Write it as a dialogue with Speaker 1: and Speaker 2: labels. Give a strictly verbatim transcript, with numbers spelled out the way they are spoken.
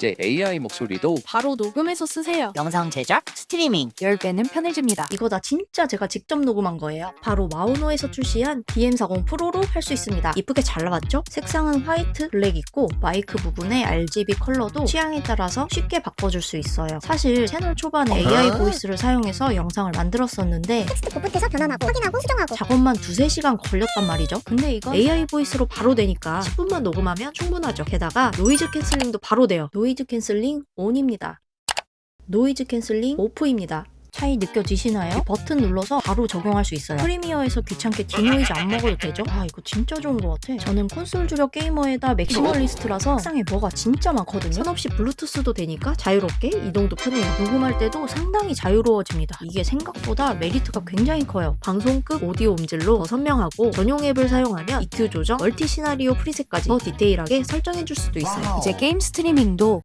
Speaker 1: 이제 에이아이 목소리도
Speaker 2: 바로 녹음해서 쓰세요.
Speaker 3: 영상 제작, 스트리밍
Speaker 2: 십 배는 편해집니다.
Speaker 4: 이거 다 진짜 제가 직접 녹음한 거예요. 바로 마우노에서 출시한 디엠 사십 프로로 할 수 있습니다. 이쁘게 잘 나왔죠? 색상은 화이트, 블랙 있고 마이크 부분에 알지비 컬러도 취향에 따라서 쉽게 바꿔줄 수 있어요. 사실 채널 초반에 에이아이 보이스를 사용해서 영상을 만들었었는데
Speaker 5: 텍스트 보프트에서 변환하고 확인하고 수정하고
Speaker 4: 작업만 두세 시간 걸렸단 말이죠. 근데 이거 에이아이 보이스로 바로 되니까 십 분만 녹음하면 충분하죠. 게다가 노이즈 캔슬링도 바로 돼요. 노이즈 캔슬링 온입니다. 노이즈 캔슬링 오프입니다. 차이 느껴지시나요? 이 버튼 눌러서 바로 적용할 수 있어요. 프리미어에서 귀찮게 디노이즈 안 먹어도 되죠? 아 이거 진짜 좋은 것 같아. 저는 콘솔 주력 게이머에다 맥시멀리스트라서 세상에 뭐가 진짜 많거든요. 선 없이 블루투스도 되니까 자유롭게 이동도 편해요. 녹음할 때도 상당히 자유로워집니다. 이게 생각보다 메리트가 굉장히 커요. 방송급 오디오 음질로 더 선명하고 전용 앱을 사용하면 이큐 조정, 멀티 시나리오 프리셋까지 더 디테일하게 설정해줄 수도 있어요.
Speaker 2: 이제 게임 스트리밍도